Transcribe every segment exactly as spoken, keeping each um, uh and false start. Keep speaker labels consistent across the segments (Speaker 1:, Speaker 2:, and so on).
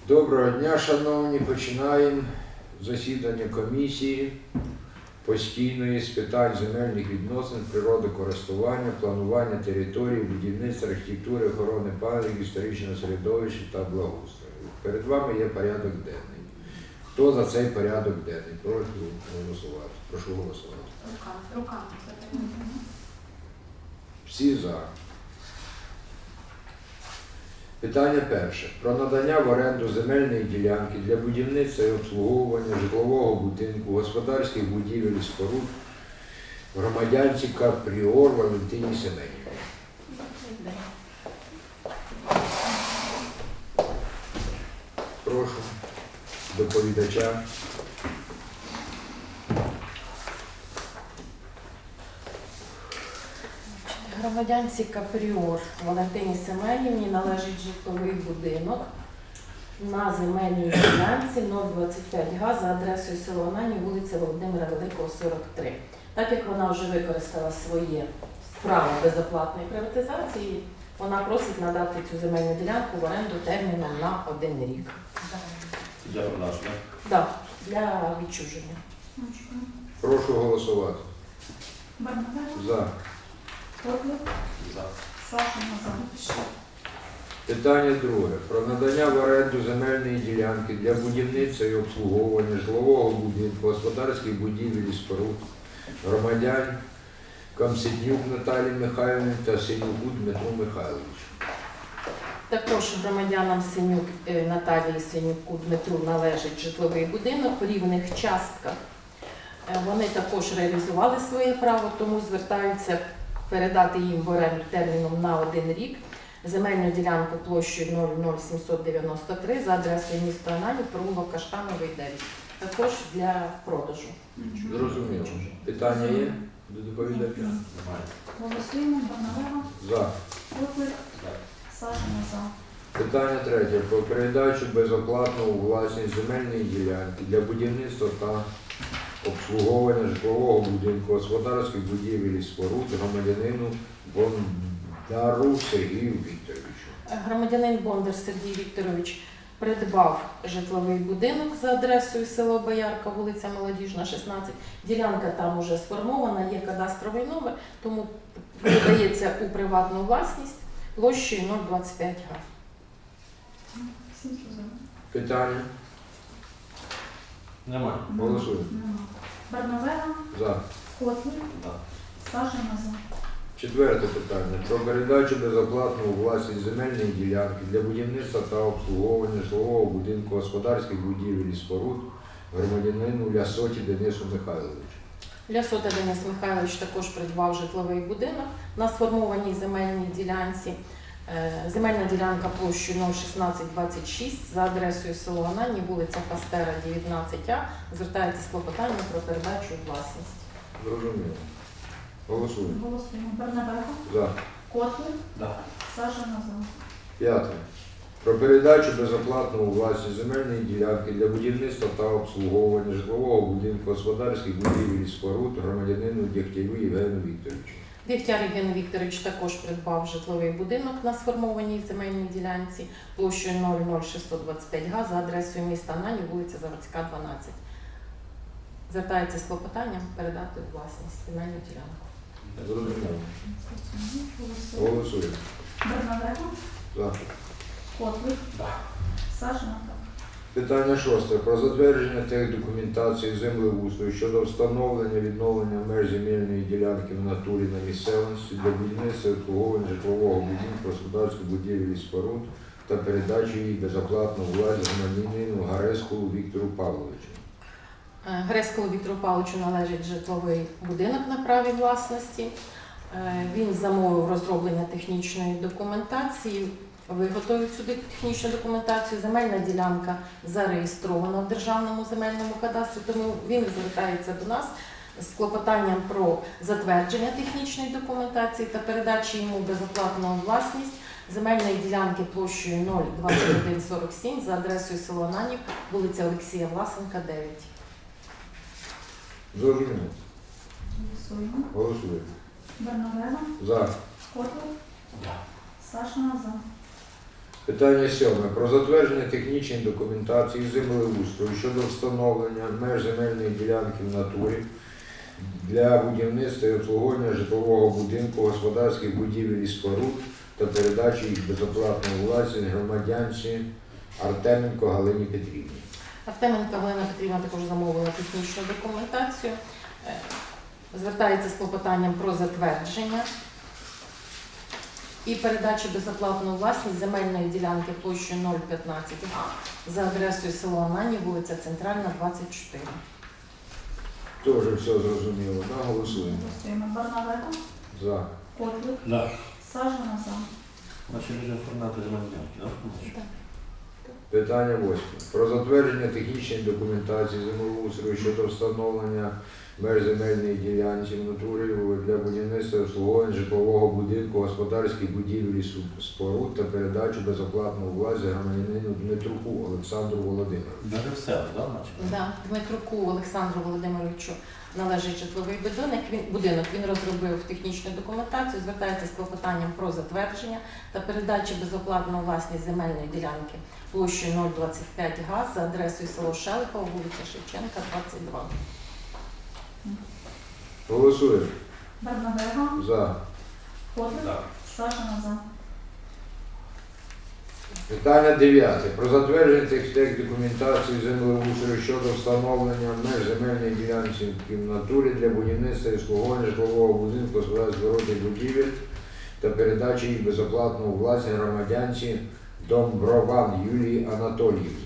Speaker 1: Доброго дня, шановні. Починаємо засідання комісії постійної з питань земельних відносин, природокористування, планування території, будівництва, архітектури, охорони пам'яток, історичного середовища та благоустрою. Перед вами є порядок денний. Хто за цей порядок денний? Прошу голосувати. Прошу голосувати.
Speaker 2: Руками. Руками.
Speaker 1: Всі за. Питання перше. Про надання в оренду земельної ділянки для будівництва і обслуговування житлового будинку, господарських будівель і споруд громадянці Капріор Валентині Семенівні. Прошу доповідача.
Speaker 3: Громадянці Капріор Валентині Семенівні належить житловий будинок на земельній ділянці нуль двадцять п'ять га за адресою село Анані, вулиця Володимира Великого, сорок три. Так як вона вже використала своє право безоплатної приватизації, вона просить надати цю земельну ділянку в оренду терміном на один рік.
Speaker 4: Для продажу, так?
Speaker 3: Да, для відчуження.
Speaker 1: Прошу голосувати.
Speaker 2: Барнавега.
Speaker 1: За.
Speaker 2: Котлик.
Speaker 4: За.
Speaker 2: Сашина за.
Speaker 1: Питання друге. Про надання в оренду земельної ділянки для будівництва і обслуговування житлового будинку, господарських будівель і споруд громадян Камсиднюк Наталії Михайлівні та Синюку Дмитру Михайловичу.
Speaker 3: Також громадянам Синюк е, Наталії Синюку Дмитру належить житловий будинок в рівних частках. Е, Вони також реалізували своє право, тому звертаються передати їм в оренду терміном на один рік земельну ділянку площею нуль нуль сімсот дев'яносто три за адресою міста Ананів, провулок Каштановий, дев'ять. Також для продажу.
Speaker 1: Зрозуміло. Питання є до доповідача?
Speaker 4: Немає.
Speaker 2: Голосуємо. Барнавега.
Speaker 1: За.
Speaker 2: Котлик.
Speaker 4: Так.
Speaker 2: Сашина за.
Speaker 1: Питання третє. Про передачу безоплатно у власність земельної ділянки для будівництва та обслуговування житлового будинку, господарських будівель і споруд громадянину Бондару Сергію Вікторовичу.
Speaker 3: Громадянин Бондар Сергій Вікторович придбав житловий будинок за адресою село Боярка, вулиця Молодіжна, шістнадцять. Ділянка там уже сформована, є кадастровий номер, тому передається у приватну власність площею нуль двадцять п'ять га.
Speaker 2: Всім зрозуміло.
Speaker 1: Питання?
Speaker 4: Немає.
Speaker 1: Голосуємо.
Speaker 2: Нема. Барнавега.
Speaker 1: За.
Speaker 2: Котлик.
Speaker 4: Так.
Speaker 2: Сашина за.
Speaker 1: Четверте питання. Про передачу безоплатно у власність земельної ділянки для будівництва та обслуговування житлового будинку, господарських будівель і споруд громадянину Лясоті Денису Михайловичу.
Speaker 3: Лясота Денис Михайлович також придбав житловий будинок на сформованій земельній ділянці. Е, Земельна ділянка площею нуль шістнадцять двадцять шість за адресою село Анані, вулиця Пастера, дев'ятнадцять А. Звертається з клопотанням про передачу у власність.
Speaker 1: Зрозуміло. Голосуємо.
Speaker 2: Голосуємо. Барнавега.
Speaker 1: За.
Speaker 2: Котлик.
Speaker 4: Так.
Speaker 2: Сашина за.
Speaker 1: П'яте. Про передачу безоплатно у власність земельної ділянки для будівництва та обслуговування житлового будинку, господарських будівель і споруд громадянину Дягтярю Євгену Вікторовичу.
Speaker 3: Дягтяр Євген Вікторович також придбав житловий будинок на сформованій земельній ділянці площею нуль нуль шістсот двадцять п'ять га за адресою міста Анані, вулиця Заводська, дванадцять. Звертається з клопотанням передати у власність земельну ділянку.
Speaker 1: Зрозуміло.
Speaker 2: Голосуємо.
Speaker 1: Голосуємо.
Speaker 2: Барнавега.
Speaker 1: За.
Speaker 2: Котлик.
Speaker 4: Так.
Speaker 2: Сашина за.
Speaker 1: Питання шосте. Про затвердження техдокументації землеустрою щодо встановлення відновлення меж земельної ділянки в натурі на місцевості для будівництва і обслуговування житлового будинку, господарських будівель і споруд та передачі її безоплатно у власність громадянину Гарескову Віктору Павловичу.
Speaker 3: Грецькому Віктору Павловичу належить житловий будинок на праві власності. Е, Він замовив розроблення технічної документації, виготовив цю технічну документацію. Земельна ділянка зареєстрована в Державному земельному кадастрі, тому він звертається до нас з клопотанням про затвердження технічної документації та передачі йому безоплатно у власність земельної ділянки площею нуль двадцять один сорок сім за адресою село Ананів, вулиця Олексія Власенка, дев'ять.
Speaker 1: Зрозуміло.
Speaker 2: Голосуємо.
Speaker 1: Голосуємо.
Speaker 2: Барнавега.
Speaker 1: За.
Speaker 2: Котлик.
Speaker 4: Так.
Speaker 2: Сашина за.
Speaker 1: Питання сьоме. Про затвердження технічної документації землеустрою щодо встановлення меж земельної ділянки в натурі для будівництва і обслуговування житлового будинку, господарських будівель і споруд та передачі їх безоплатно у власність громадянці Артеменко Галині Петрівні.
Speaker 3: Артеменко Галина Петрівна також замовила технічну документацію. Е, Звертається з клопотанням про затвердження і передачу безоплатну власність земельної ділянки площею нуль п'ятнадцять га за адресою село Анані, вулиця Центральна, двадцять чотири.
Speaker 1: Теж все зрозуміло. Да? Голосуємо.
Speaker 2: Голосуємо. Бернавега.
Speaker 1: За.
Speaker 2: Котлик.
Speaker 4: Да.
Speaker 2: Сажена за.
Speaker 4: Значить, вже формати земельні, да?
Speaker 3: Так.
Speaker 1: Питання восьме. Про затвердження технічної документації землеустрою щодо встановлення меж земельної ділянки в натурі для будівництва і обслуговування житлового будинку, господарських будівель і су- споруд та передачу безоплатно у власність громадянину Дмитруку Олександру Володимировичу.
Speaker 4: Даже все, да, значить?
Speaker 3: Да, Дмитруку Олександру Володимировичу належить житловий будинок. Він, будинок. Він розробив технічну документацію, звертається з клопотанням про затвердження та передачу безоплатно у власність земельної ділянки площею нуль двадцять п'ять га за адресою село Шелихова, вулиця Шевченка, двадцять два.
Speaker 1: Голосуємо.
Speaker 2: Бернавега.
Speaker 1: За.
Speaker 2: Котлик.
Speaker 4: Да.
Speaker 2: Сажена за.
Speaker 1: Питання дев'яте. Про затвердження текстек документації землеустрою щодо встановлення меж земельної ділянки в натурі для будівництва і обслуговування житлового будинку, господарських городних будівель та передачі їх безоплатно у власність громадянці Домброван Юлії Анатоліївні.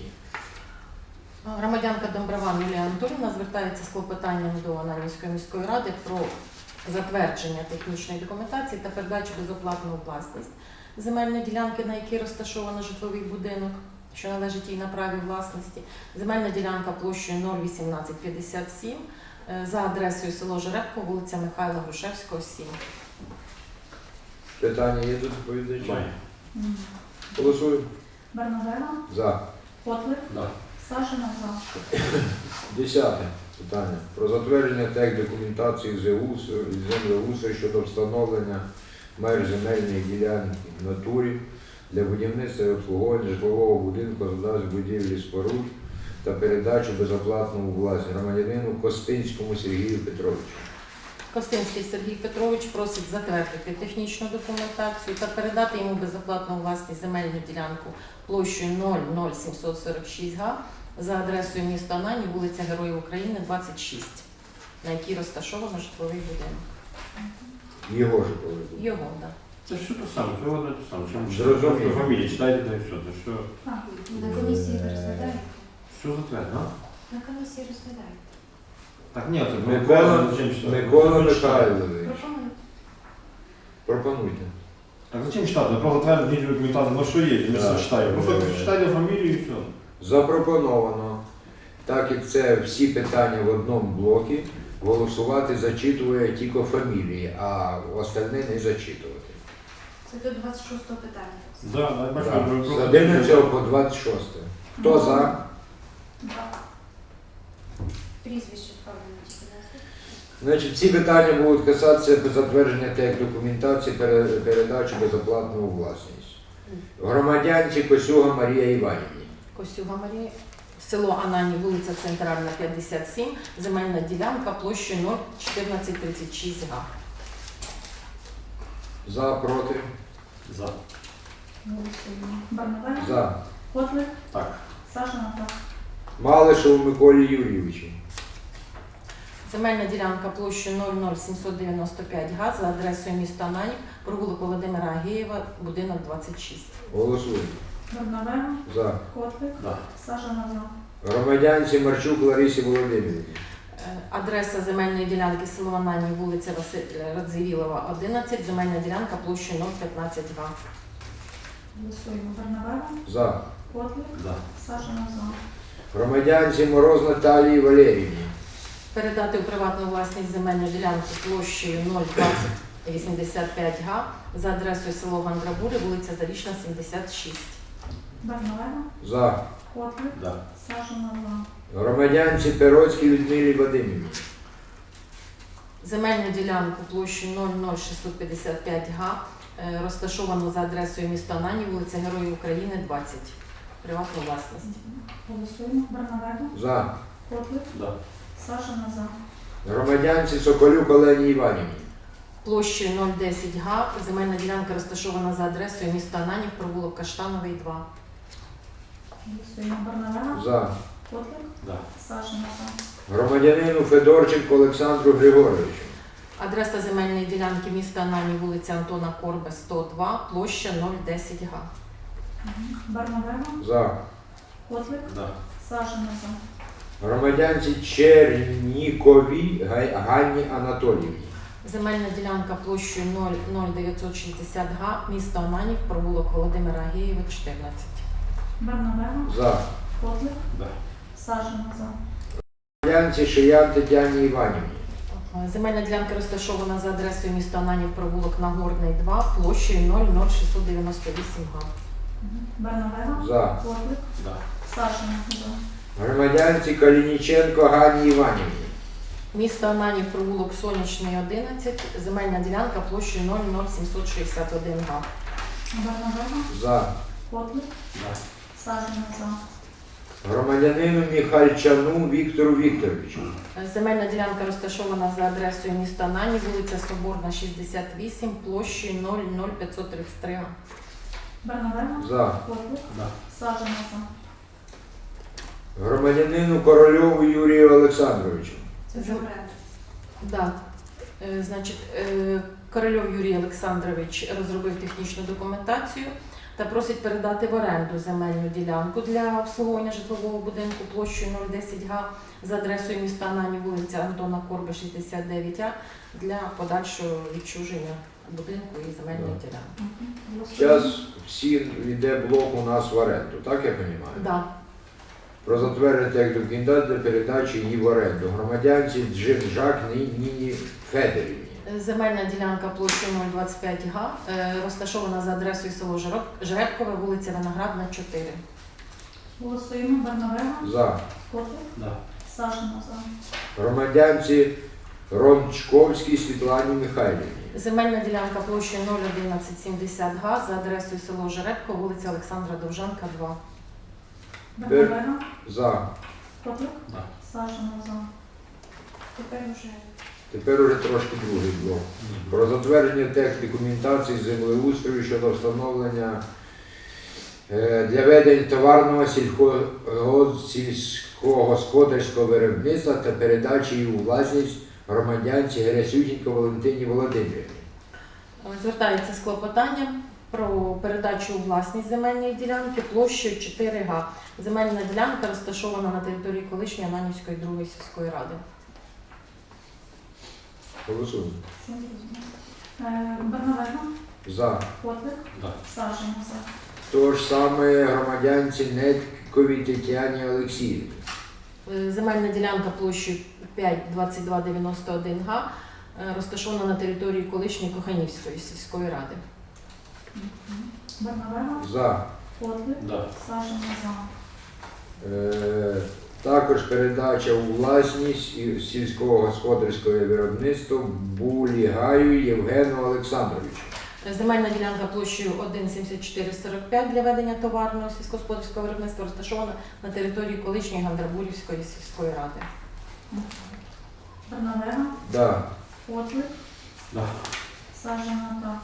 Speaker 3: Громадянка Домброван Юлія Анатоліївна звертається з клопотанням до Ананівської міської ради про затвердження технічної документації та передачу безоплатно у власність земельної ділянки, на якій розташовано житловий будинок, що належить їй на праві власності. Земельна ділянка площею нуль вісімнадцять п'ятдесят сім е, за адресою село Жеребко, вулиця Михайла Грушевського, сім.
Speaker 1: Питання є до доповідача?
Speaker 4: Має.
Speaker 2: М.
Speaker 1: Голосуємо.
Speaker 2: Бернавега.
Speaker 1: За.
Speaker 2: Котлик.
Speaker 4: Да.
Speaker 2: Сажена за.
Speaker 1: Десяте питання. Про затвердження тех документації ЗЕУС і землеустрою щодо встановлення меж земельної ділянки в натурі для будівництва і обслуговування житлового будинку, господарських будівель і споруд та передачу безоплатно у власність громадянину Костинському Сергію Петровичу.
Speaker 3: Костинський Сергій Петрович просить затвердити технічну документацію та передати йому безоплатну у власність земельну ділянку площею нуль нуль сімсот сорок шість га за адресою міста Анані, вулиця Героїв України, двадцять шість, на якій розташовано житловий будинок.
Speaker 1: Його ж поведу.
Speaker 3: Його, так.
Speaker 4: Це що то саме, це одне те саме. Чому
Speaker 1: Зрозуміло.
Speaker 4: просто фамілії читайте, та і все. То що,
Speaker 2: А.
Speaker 5: На комісії розглядають.
Speaker 4: що затвердно, а?
Speaker 5: На комісії розглядають.
Speaker 4: Так, ні, це
Speaker 1: Микола,
Speaker 4: зачем читати?
Speaker 1: Микола
Speaker 4: Ну, читайте.
Speaker 1: Михайлович.
Speaker 5: Пропоную.
Speaker 1: Пропонуйте.
Speaker 4: Так зачем читати? Просто затвердити технічну документацію, ну що є, ми
Speaker 1: Да.
Speaker 4: все читаємо. Просто
Speaker 1: Е.
Speaker 4: читайте фамілію і все.
Speaker 1: Запропоновано, так як це всі питання в одному блокі, голосувати зачитує тільки фамілії, а остальне не зачитувати.
Speaker 5: Це до двадцять шостого питання.
Speaker 4: Да, да, бачу,
Speaker 1: Так,
Speaker 4: ви
Speaker 1: З
Speaker 4: просто-
Speaker 1: одинадцятого по двадцять шосте. Хто за?
Speaker 2: Да.
Speaker 5: Прізвище правильно тільки назвати.
Speaker 1: Значить, ці питання будуть касатися затвердження тех документації пере- передачі безоплатно у власність. Громадянці Косюга Марія Іванівні.
Speaker 3: Косюга Марія, село Анані, вулиця Центральна, п'ятдесят сім, земельна ділянка площею нуль чотирнадцять тридцять шість га.
Speaker 1: За, проти?
Speaker 4: За.
Speaker 2: Голосуємо. Бернавега.
Speaker 1: За.
Speaker 2: Котлик.
Speaker 4: Так.
Speaker 2: Сажена за.
Speaker 1: Малишеву Миколі Юрійовичу.
Speaker 3: Земельна ділянка площею нуль нуль сімсот дев'яносто п'ять га за адресою міста Анані, провулок Володимира Агієва, будинок двадцять шість.
Speaker 1: Голосуємо.
Speaker 2: Бернавега.
Speaker 1: За.
Speaker 2: Котлик.
Speaker 4: Да.
Speaker 2: Сажена за.
Speaker 1: Громадянці Марчук Ларисі Володимирівні.
Speaker 3: Е, Адреса земельної ділянки село Анані, вулиця Василя Радзивілова, одинадцять, земельна ділянка площею нуль п'ятнадцять га.
Speaker 2: Голосуємо. Бернавега.
Speaker 1: За.
Speaker 2: Котлик.
Speaker 4: Да.
Speaker 2: Сажена за.
Speaker 1: Громадянці Мороз Наталії Валеріївні.
Speaker 3: Передати у приватну власність земельну ділянку площею нуль двадцять вісімдесят п'ять га за адресою село Гандрабури, вулиця Зарічна, сімдесят шість.
Speaker 2: Бернавега.
Speaker 1: За.
Speaker 2: Котлик.
Speaker 4: Да.
Speaker 2: Сажена за.
Speaker 1: Громадянці Пероцькій Людмилі Вадимівні.
Speaker 3: Земельну ділянку площею нуль нуль шістсот п'ятдесят п'ять га е, розташовано за адресою міста Ананів, вулиця Героїв України, двадцять. Приватна власність.
Speaker 2: Голосуємо. Бернавега.
Speaker 1: За.
Speaker 2: Котлик.
Speaker 4: Да.
Speaker 2: Сажина за.
Speaker 1: Громадянці Соколюк Олені Іванівні.
Speaker 3: Площею нуль десять га. Земельна ділянка розташована за адресою міста Ананів, провулок Каштановий, два.
Speaker 2: Голосуємо. Бернавега.
Speaker 1: За.
Speaker 2: Котлик.
Speaker 4: Да.
Speaker 2: Сажина за.
Speaker 1: Громадянину Федорченку Олександру Григоровичу.
Speaker 3: Адреса земельної ділянки міста Ананів, вулиця Антона Корби, сто два, площа нуль десять га.
Speaker 2: Бернавега.
Speaker 1: За.
Speaker 2: Котлик.
Speaker 4: Да.
Speaker 2: Сажина за.
Speaker 1: Громадянці Черніковій Гай- Ганні Анатоліївні.
Speaker 3: Земельна ділянка площею нуль нуль дев'ятсот шістдесят га, місто Ананів, провулок Володимира Агеєва, чотирнадцять.
Speaker 2: Бернавега.
Speaker 1: За.
Speaker 2: Котлик.
Speaker 4: Да.
Speaker 2: Сажина за.
Speaker 1: Громадянці Шиян Тетяні Іванівні.
Speaker 3: Земельна ділянка розташована за адресою міста Ананів, провулок Нагорний, два, площею нуль нуль шістсот дев'яносто вісім га.
Speaker 2: Бернавега.
Speaker 1: За.
Speaker 2: Котлик.
Speaker 4: Да.
Speaker 2: Сажина за.
Speaker 1: Громадянці Калініченко Ганні Іванівні.
Speaker 3: Місто Ананів, провулок Сонячний, одинадцять, земельна ділянка площею нуль нуль сімсот шістдесят один га.
Speaker 2: Бернавега.
Speaker 1: За.
Speaker 2: Котлик.
Speaker 4: Да.
Speaker 2: Сажина за.
Speaker 1: Громадянину Міхальчану Віктору Вікторовичу.
Speaker 3: Земельна ділянка розташована за адресою міста Ананів, вулиця Соборна, шістдесят вісім, площею нуль нуль п'ятсот тридцять три га.
Speaker 2: Бернавега.
Speaker 1: За.
Speaker 2: Котлик.
Speaker 4: Да.
Speaker 2: Сажина за.
Speaker 1: Громадянину Корольову Юрію Олександровичу.
Speaker 5: Це вже оренда.
Speaker 3: Да. Е, Значить, е, Корольов Юрій Олександрович розробив технічну документацію та просить передати в оренду земельну ділянку для обслуговування житлового будинку площею нуль десять га за адресою міста Ананів, вулиця Антона Корби, шістдесят дев'ять а для подальшого відчуження будинку і земельної
Speaker 1: Да.
Speaker 3: ділянки.
Speaker 1: Зараз всі йде блок у нас в оренду, так я розумію?
Speaker 3: Да.
Speaker 1: Про затвердження як документації для передачі її в оренду. Громадянці Джинжак Ніні Федорівні.
Speaker 3: Земельна ділянка площею нуль двадцять п'ять га е, розташована за адресою село Жероб- Жеребкове, вулиця Виноградна, чотири.
Speaker 2: Голосуємо. Бернавега.
Speaker 1: За.
Speaker 2: Котлик.
Speaker 4: Да.
Speaker 2: Сажина за.
Speaker 1: Громадянці Рончковській Світлані Михайлівні.
Speaker 3: Земельна ділянка площею нуль одинадцять сімдесят га за адресою село Жеребко, вулиця Олександра Довжанка, два.
Speaker 2: Бернавега.
Speaker 1: За.
Speaker 2: Котлик.
Speaker 4: Да.
Speaker 2: Сажина за.
Speaker 5: Тепер вже
Speaker 1: Тепер уже трошки другий блок. Про затвердження тех документації землеустрою щодо встановлення е, для ведення товарного сільхо- сільськогосподарського виробництва та передачі її у власність громадянці Герасютінко Валентині Володимирівні.
Speaker 3: Звертається з клопотанням про передачу у власність земельної ділянки площею чотири га. Земельна ділянка розташована на території колишньої Ананівської другої сільської ради.
Speaker 1: Голосуємо.
Speaker 2: Всім зрозуміло. Е, Бернавега.
Speaker 1: За.
Speaker 2: Котлик.
Speaker 4: Да.
Speaker 2: Сажина за.
Speaker 1: То ж саме громадянці Нетковій Тетяні Олексіївні.
Speaker 3: Е, Земельна ділянка площею п'ять двадцять два дев'яносто один га е, розташована на території колишньої Коханівської сільської ради.
Speaker 2: Бернавега.
Speaker 1: За.
Speaker 2: Котлик.
Speaker 4: Да.
Speaker 2: Сажина за.
Speaker 1: Е, також передача у власність і сільськогосподарського виробництва Булігаю Євгену Олександровичу.
Speaker 3: Земельна ділянка площею один сімдесят чотири сорок п'ять для ведення товарного сільськогосподарського виробництва розташована на території колишньої Гандрабурівської сільської ради.
Speaker 2: Бернавега.
Speaker 1: Да.
Speaker 2: Котлик.
Speaker 4: Да.
Speaker 2: Сажина так.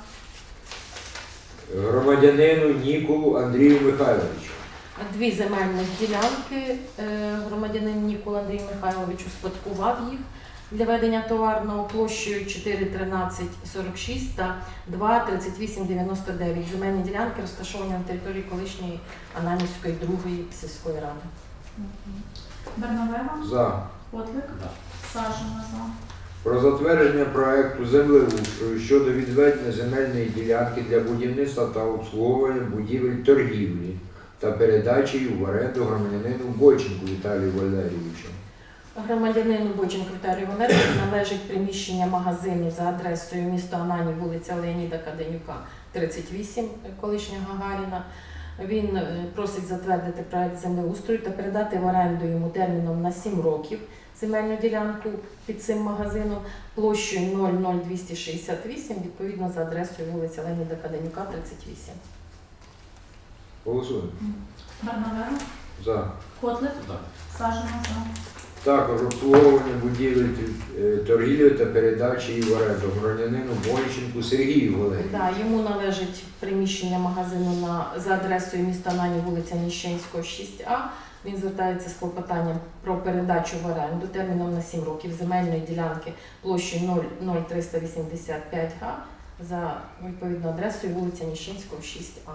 Speaker 1: Громадянину Ніколу Андрію Михайловичу.
Speaker 3: Дві земельні ділянки е, громадянин Нікола Андрій Михайлович успадкував їх для ведення товарного площею чотири тринадцять сорок шість та два тридцять вісім дев'яносто дев'ять. Земельні ділянки розташовані на території колишньої Ананівської другої сільської ради.
Speaker 2: Бернавега.
Speaker 1: За.
Speaker 2: Котлик.
Speaker 4: Да.
Speaker 2: Сажина за.
Speaker 1: Про затвердження проекту землеустрою щодо відведення земельної ділянки для будівництва та обслуговування будівель торгівлі та передачі її в оренду громадянину Бойченку Віталію Валерійовичу.
Speaker 3: Громадянину Бойченку Віталію Валерійовичу належить приміщення магазину за адресою міста Ананів, вулиця Леоніда Каденюка, тридцять вісім, колишня Гагаріна. Він е, просить затвердити проект землеустрою та передати в оренду йому терміном на сім років земельну ділянку під цим магазином площею нуль нуль двісті шістдесят вісім, відповідно за адресою вулиця Леоніда Каденюка, тридцять вісім.
Speaker 1: Голосуємо.
Speaker 2: Бернавега,
Speaker 1: За.
Speaker 2: Котлик,
Speaker 4: Да.
Speaker 2: Сажина за.
Speaker 1: Також обслуговування будівель е, торгівлі та передачі її в оренду громадянину Бойченку Сергію Валерію.
Speaker 3: Да, йому належить приміщення магазину на, за адресою міста Нані, вулиця Ніщенського, шість А. Він звертається з клопотанням про передачу в оренду терміном на сім років земельної ділянки площі нуль нуль триста вісімдесят п'ять га за відповідною адресою вулиця Ніщенського, шість А.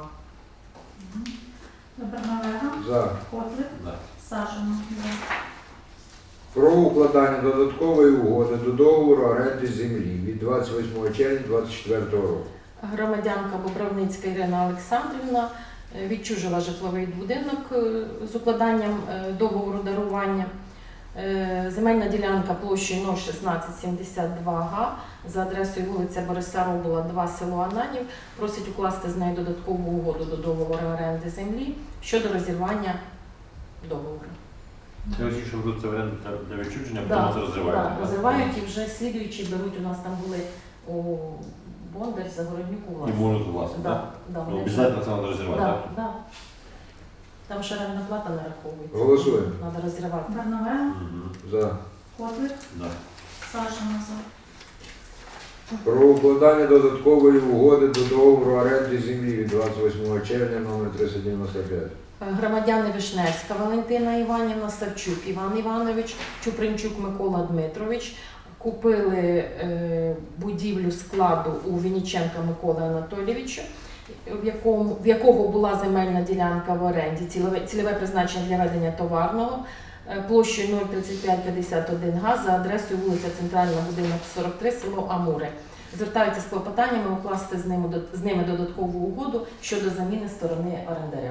Speaker 2: Бернавега,
Speaker 1: За.
Speaker 2: Котлик,
Speaker 4: Да.
Speaker 2: Сажина за.
Speaker 1: Про укладання додаткової угоди до договору оренди землі від двадцять восьмого червня дві тисячі двадцять четвертого року.
Speaker 3: Громадянка Бобровницька Ірина Олександрівна е, відчужила житловий будинок е, з укладанням е, договору дарування. Е, Земельна ділянка площею нуль шістнадцять сімдесят два га за адресою вулиця Бориса Робола, два, село Ананів. Просить укласти з нею додаткову угоду до договору оренди землі щодо розірвання договору.
Speaker 4: Це ось, що беруть це в оренду для відчуження,
Speaker 3: Да,
Speaker 4: потім це розривають.
Speaker 3: да, розривають і вже слідуючі беруть. У нас там були у Бондар, Загороднюк у
Speaker 4: І
Speaker 3: власне.
Speaker 4: можуть власне,
Speaker 3: Да,
Speaker 4: так?
Speaker 3: да,
Speaker 4: Ну,
Speaker 3: вони вже-
Speaker 4: обов'язково це треба розірвати,
Speaker 3: Да,
Speaker 4: так?
Speaker 3: да. Там ще рентна плата нараховується.
Speaker 1: Голосуємо.
Speaker 3: Треба розривати.
Speaker 2: Бернавега,
Speaker 4: Мгм.
Speaker 1: За.
Speaker 2: Котлик,
Speaker 4: Да.
Speaker 2: Сажина за.
Speaker 1: Про укладання додаткової угоди до договору оренди землі від двадцять восьмого червня номер триста дев'яносто п'ять.
Speaker 3: Громадяни Вишневська Валентина Іванівна, Савчук Іван Іванович, Чупринчук Микола Дмитрович купили е, будівлю складу у Вінниченка Миколи Анатолійовича, в якому в якого була земельна ділянка в оренді, цільове, цільове призначення для ведення товарного, е, площею нуль тридцять п'ять п'ятдесят один га за адресою вулиця Центральна, будинок сорок три, село Амури. Звертаються з клопотаннями укласти з ними, з ними додаткову угоду щодо заміни сторони орендаря.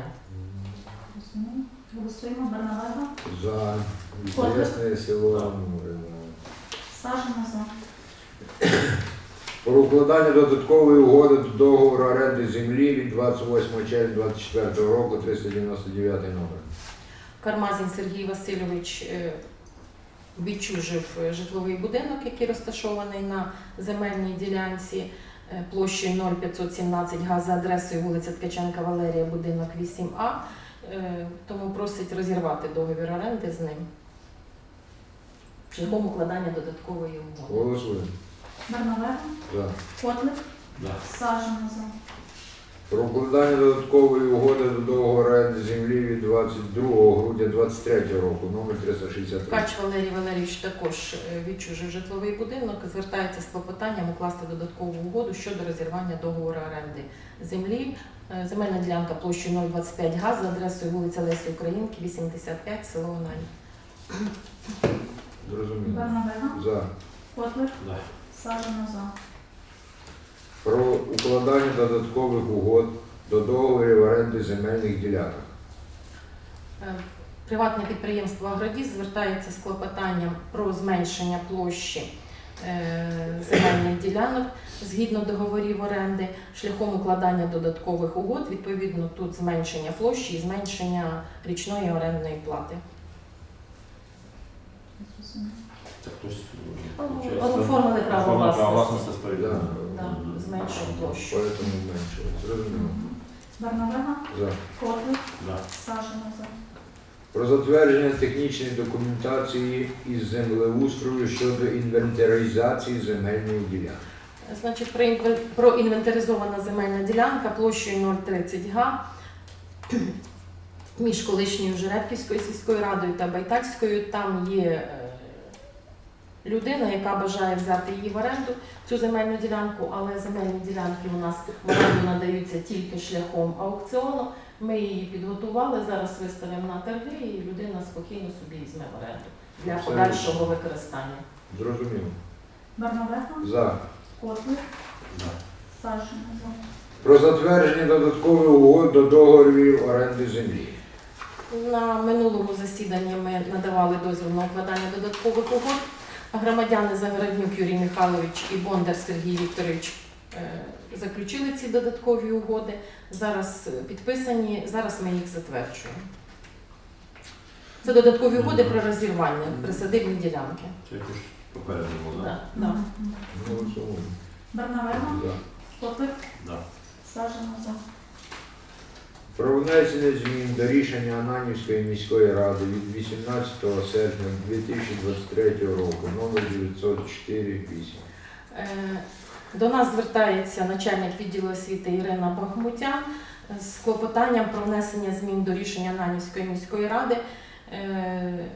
Speaker 2: Голосуємо. Бернавега,
Speaker 1: За.
Speaker 2: Котлик.
Speaker 1: Известне село Амури.
Speaker 2: Сажина за.
Speaker 1: Про укладання додаткової угоди до договору оренди землі від двадцять восьмого червня дві тисячі двадцять четвертого року, триста дев'яносто дев'ятий номер.
Speaker 3: Кармазін Сергій Васильович е, відчужив е, житловий будинок, який розташований на земельній ділянці е, площею нуль п'ятсот сімнадцять га за адресою вулиця Ткаченка Валерія, будинок вісім А, е, тому просить розірвати договір оренди з ним шляхом укладання додаткової угоди.
Speaker 1: Голосуємо.
Speaker 2: Бернавега,
Speaker 1: За.
Speaker 2: Котлик,
Speaker 4: Да.
Speaker 2: Сажина за.
Speaker 1: Про укладання додаткової угоди до договору оренди землі від двадцять другого грудня двадцять третього року, номер триста шістдесят три.
Speaker 3: Ткач Валерій Валерійович також е, відчужив житловий будинок, звертається з клопотанням укласти додаткову угоду щодо розірвання договору оренди землі. Е, Земельна ділянка площею нуль двадцять п'ять га за адресою вулиця Лесі Українки, вісімдесят п'ять, село Онань.
Speaker 1: Зрозуміло.
Speaker 2: Бернавега,
Speaker 1: За.
Speaker 2: Котлик,
Speaker 4: Да.
Speaker 2: Сажина за.
Speaker 1: Про укладання додаткових угод до договорів оренди земельних ділянок.
Speaker 3: Е, Приватне підприємство «Агродіс» звертається з клопотанням про зменшення площі е, земельних ділянок згідно договорів оренди шляхом укладання додаткових угод. Відповідно, тут зменшення площі і зменшення річної орендної плати.
Speaker 4: Це хтось
Speaker 3: Ну, оформили право
Speaker 4: Оформили право
Speaker 3: власності.
Speaker 4: власності стоїть.
Speaker 1: Да.
Speaker 3: Да,
Speaker 4: Мгм.
Speaker 3: зменшує площу.
Speaker 1: Поэтому зменшили. Зрозуміло.
Speaker 2: Бернавега,
Speaker 1: За.
Speaker 2: Котлик,
Speaker 4: Да.
Speaker 2: Сажина за.
Speaker 1: Про затвердження технічної документації із землеустрою щодо інвентаризації земельної ділянки.
Speaker 3: Значить, про інвен- проінвентаризована земельна ділянка площею нуль тридцять га між колишньою Жеребківською сільською радою та Байтальською. Там є е, людина, яка бажає взяти її в оренду, цю земельну ділянку, але земельні ділянки у нас в оренду надаються тільки шляхом аукціону. Ми її підготували, зараз виставимо на торги, і людина спокійно собі візьме в оренду для
Speaker 1: Абсолютно.
Speaker 3: подальшого використання.
Speaker 1: Зрозуміло.
Speaker 2: Бернавега,
Speaker 1: За.
Speaker 2: Котлик,
Speaker 4: Да.
Speaker 2: Сажина за.
Speaker 1: Про затвердження додаткових угод до договорів оренди землі.
Speaker 3: На минулому засіданні ми надавали дозвіл на укладання додаткових угод. Громадяни Загороднюк Юрій Михайлович і Бондар Сергій Вікторович е, заключили ці додаткові угоди. Зараз е, підписані, зараз ми їх затверджуємо. Це додаткові угоди про розірвання присадибні ділянки.
Speaker 4: Це якось попередньо було,
Speaker 3: Да,
Speaker 4: так?
Speaker 3: да.
Speaker 1: Голосуємо.
Speaker 2: Бернавега,
Speaker 1: За.
Speaker 2: Котлик,
Speaker 4: Да.
Speaker 2: Сажина за.
Speaker 1: Про внесення змін до рішення Ананівської міської ради від вісімнадцятого серпня дві тисячі двадцять третього року номер дев'ятсот чотири вісім.
Speaker 3: Е, До нас звертається начальник відділу освіти Ірина Бахмутян з клопотанням про внесення змін до рішення Ананівської міської ради. Е,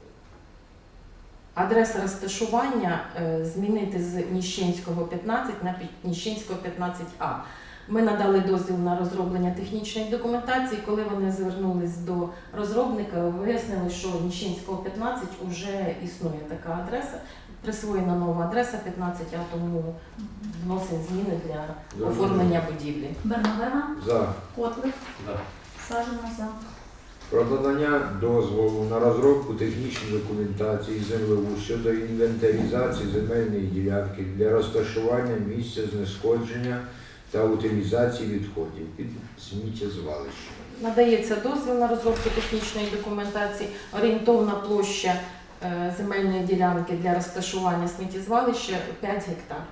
Speaker 3: Адреса розташування е, змінити з Ніщинського п'ятнадцять на Пі- Ніщинського п'ятнадцять А. Ми надали дозвіл на розроблення технічної документації. Коли вони звернулись до розробника, вияснили, що Ніщинського п'ятнадцять вже існує така адреса. Присвоєна нова адреса п'ятнадцять А, тому вносимо зміни для оформлення будівлі.
Speaker 2: Бернавега,
Speaker 1: За.
Speaker 2: Котлик,
Speaker 4: Да.
Speaker 2: Сажина за.
Speaker 1: Про надання дозволу на розробку технічної документації землеустрою щодо інвентаризації земельної ділянки для розташування місця знешкодження та утилізації відходів під сміттєзвалище.
Speaker 3: Надається дозвіл на розробку технічної документації. Орієнтовна площа е, земельної ділянки для розташування сміттєзвалища п'ять гектар.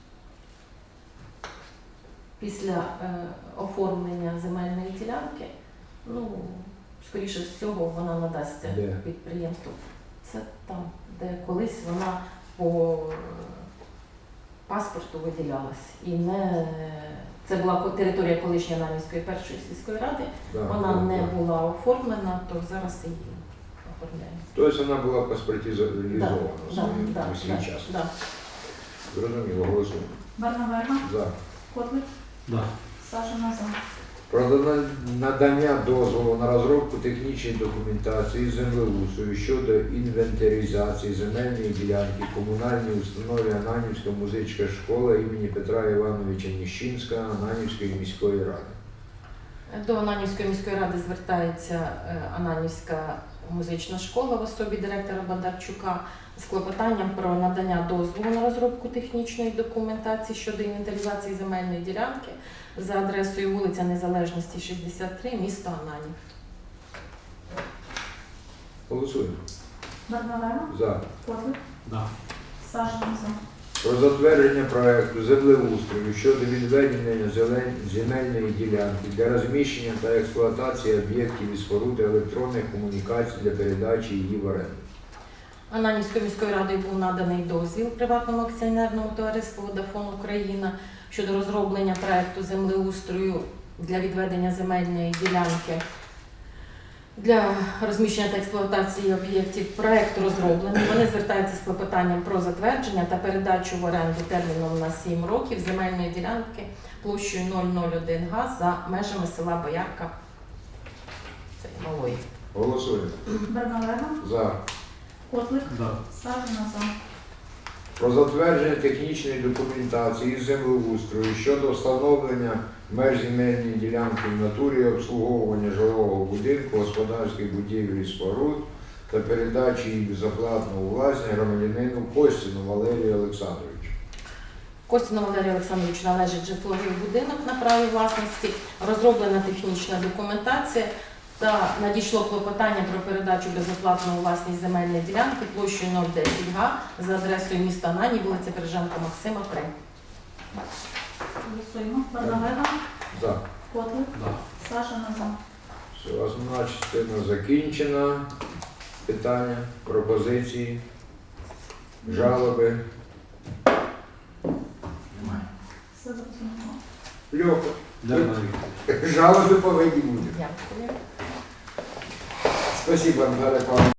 Speaker 3: Після е, оформлення земельної ділянки, ну, скоріше всього, вона надасться
Speaker 1: Де?
Speaker 3: підприємству. Це там, де колись вона по е, паспорту виділялась. І не це була ко- територія колишньої Ананівської першої сільської ради.
Speaker 1: Да,
Speaker 3: Вона
Speaker 1: да,
Speaker 3: не
Speaker 1: да.
Speaker 3: була оформлена, то зараз її оформляємо.
Speaker 1: Тобто вона була паспортизована
Speaker 3: Да, да, да,
Speaker 1: у свій
Speaker 3: да,
Speaker 1: час.
Speaker 3: да.
Speaker 1: Зрозуміло, голосуємо.
Speaker 2: Бернавега,
Speaker 1: За.
Speaker 2: Котлик,
Speaker 4: Да.
Speaker 2: Сажина за.
Speaker 1: Про дана- надання дозволу на розробку технічної документації землеустрою щодо інвентаризації земельної ділянки комунальній установі Ананівська музична школа імені Петра Івановича Ніщинського Ананівської міської ради.
Speaker 3: До Ананівської міської ради звертається е, Ананівська музична школа в особі директора Бондарчука з клопотанням про надання дозволу на розробку технічної документації щодо інвентаризації земельної ділянки за адресою вулиця Незалежності, шістдесят три, місто Ананів.
Speaker 1: Голосуємо.
Speaker 2: Бернавега,
Speaker 1: За.
Speaker 2: Котлик,
Speaker 4: Да.
Speaker 2: Сажина за.
Speaker 1: Про затвердження проекту землеустрою щодо відведення зелень- земельної ділянки для розміщення та експлуатації об'єктів і споруд електронних комунікацій для передачі її в оренду.
Speaker 3: Ананівською міською радою був наданий дозвіл приватному акціонерному товариству «Водафон Україна» щодо розроблення проекту землеустрою для відведення земельної ділянки для розміщення та експлуатації об'єктів. Проект розроблений. Вони звертаються з клопотанням про затвердження та передачу в оренду терміном на сім років земельної ділянки площею нуль нуль один га за межами села Боярка це Малої.
Speaker 1: Голосуємо.
Speaker 2: Бернавега,
Speaker 1: За.
Speaker 2: Котлик,
Speaker 4: Да.
Speaker 2: Сажина за.
Speaker 1: Про затвердження технічної документації із землеустрою щодо встановлення меж земельної ділянки в натурі і обслуговування жилого будинку, господарських будівель і споруд та передачі її безоплатно у власність громадянину Костіну Валерію Олександровичу.
Speaker 3: Костіну Валерію Олександровичу належить житловий будинок на праві власності, розроблена технічна документація та надійшло клопотання про передачу безоплатно у власність земельної ділянки площею нуль десять га за адресою міста Анані, вулиця Береженка Максима, три.
Speaker 2: Голосуємо. Бернавега,
Speaker 1: За.
Speaker 2: Котлик,
Speaker 4: Да.
Speaker 2: Сажина за.
Speaker 1: Все, основна частина закінчена. Питання, пропозиції, жалоби.
Speaker 4: Немає.
Speaker 2: Все зрозуміло.
Speaker 1: Льоха.
Speaker 4: Дякую.
Speaker 1: Жалоби повинні бути.
Speaker 3: Дякую.
Speaker 1: Спасибо, Наталя Павловна.